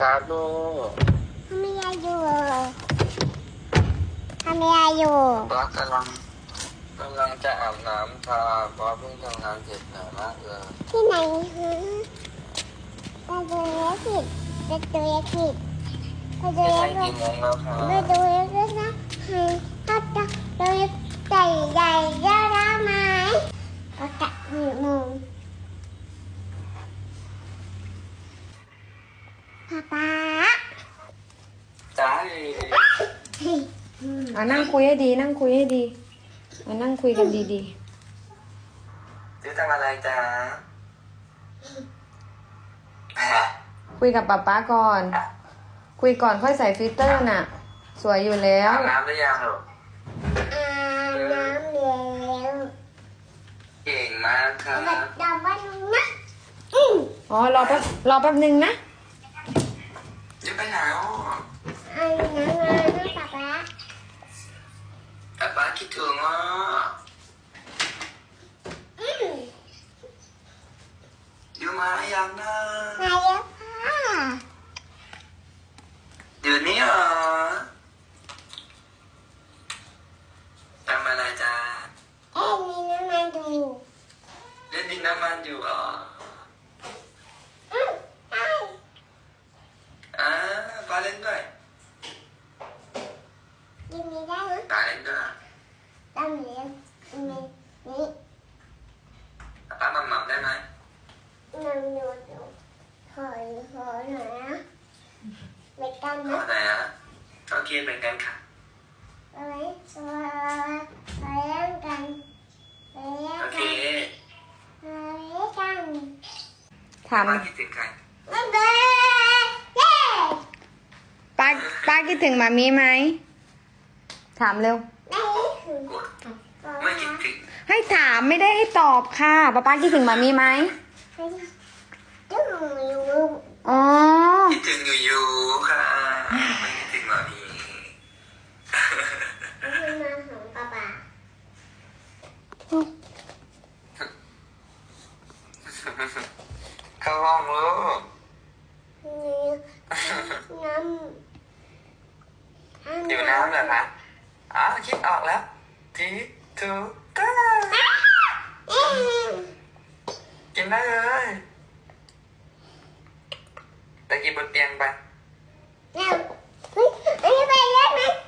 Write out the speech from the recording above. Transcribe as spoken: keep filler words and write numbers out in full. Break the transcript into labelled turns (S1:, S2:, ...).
S1: ครับลูก
S2: ทำอะไรอยู่ทำอะไรอยู่
S1: ป้ากำลังกำลังจะอาบน้ำค่ะป้าเพิ่งทำงานเสร็จหนามากเลย
S2: ที่ไหนฮะไปดูเล็กผิดไปดูเล็กผิดไปดู
S1: ที่ไหน
S2: เล็ก
S1: กี่โมงแล้วคะ
S2: ไปดูเล็กด้วยนะให้ถ้าจะดูเล็กใหญ่ใหญ่เยอะได้ไหมก็จะหนึ่งโมงป๊าป๊า
S1: จ้า
S3: อ่ะนั่งคุยให้ดีนั่งคุยให้ดีอ่ะนั่งคุยกันดี
S1: จะทำอะไรจ้า
S3: ๆคุยกับป๊าป๊าก่อน คุยก่อนค่อยใส่ฟิลเตอร์น่ะ สวยอยู่แล้ว
S1: อาบน้ำหรือยังลูก
S2: อาบน้ำแล้ว
S1: เก่งมากครับ
S2: แบบดำบ้านนะอืม
S3: อ๋อรอแป๊บรอแป๊บนึงนะ
S1: จะไปไหนอ๋อ
S2: อาบน้ำมานะป๊าป๊า
S1: แต่ป้าคิดถึงอ่ะ
S2: อืม
S1: อยู่มายังนะ
S2: มาแล้วค่ะ
S1: เดี๋ยวนี้เหรอทำอะไรจ้า
S2: เอ็นนี่น้ำมันดู
S1: เล่นดินน้ำมันอยู่เหรอ
S2: อืมได้
S1: อ่าป้าเล่นด้วย
S2: ยินดีได้นะ
S1: ป้าเล่นด้วย
S2: ดำเหลืองนี่นี่
S1: ป้าหม่ำหม่ำได้ไหม
S2: น้ำดูดูขอขอหน่อยนะไปกัน
S1: ขอ
S2: นะ
S1: ไหนอ่ะโอเคเป็นกันค่ะ
S2: ไปไว้ไปเล่นกันไปเล่น
S1: โอเค
S2: กันไปเล่นกัน
S3: ถาม
S1: ป้าคิดถึงใคร
S2: บ๊ายบายเย้
S3: ป้าป้าคิดถึงหมามีไหมถามเร็ว
S2: ไม่ถึง
S1: กดไม่คิดถึง
S3: ให้ถามไม่ได้ให้ตอบค่ะป้าป้าคิดถึงหมามีไหม
S2: จุ๊บอยู่
S3: อ๋อ
S1: คิดถึงอยู่อยู่ค่ะไม่คิดถึงหมามี
S2: คือมาของป๊าป๊า
S1: เข้าห้องลูก
S2: น้ำ
S1: อยู่น้ำเหรอคะอ๋อคิดออกแล้วทีทูก้ากินได้เลยแต่กินบนเตียงไป
S2: เร็วเฮ้ยอันนี้ไปเล่นไหม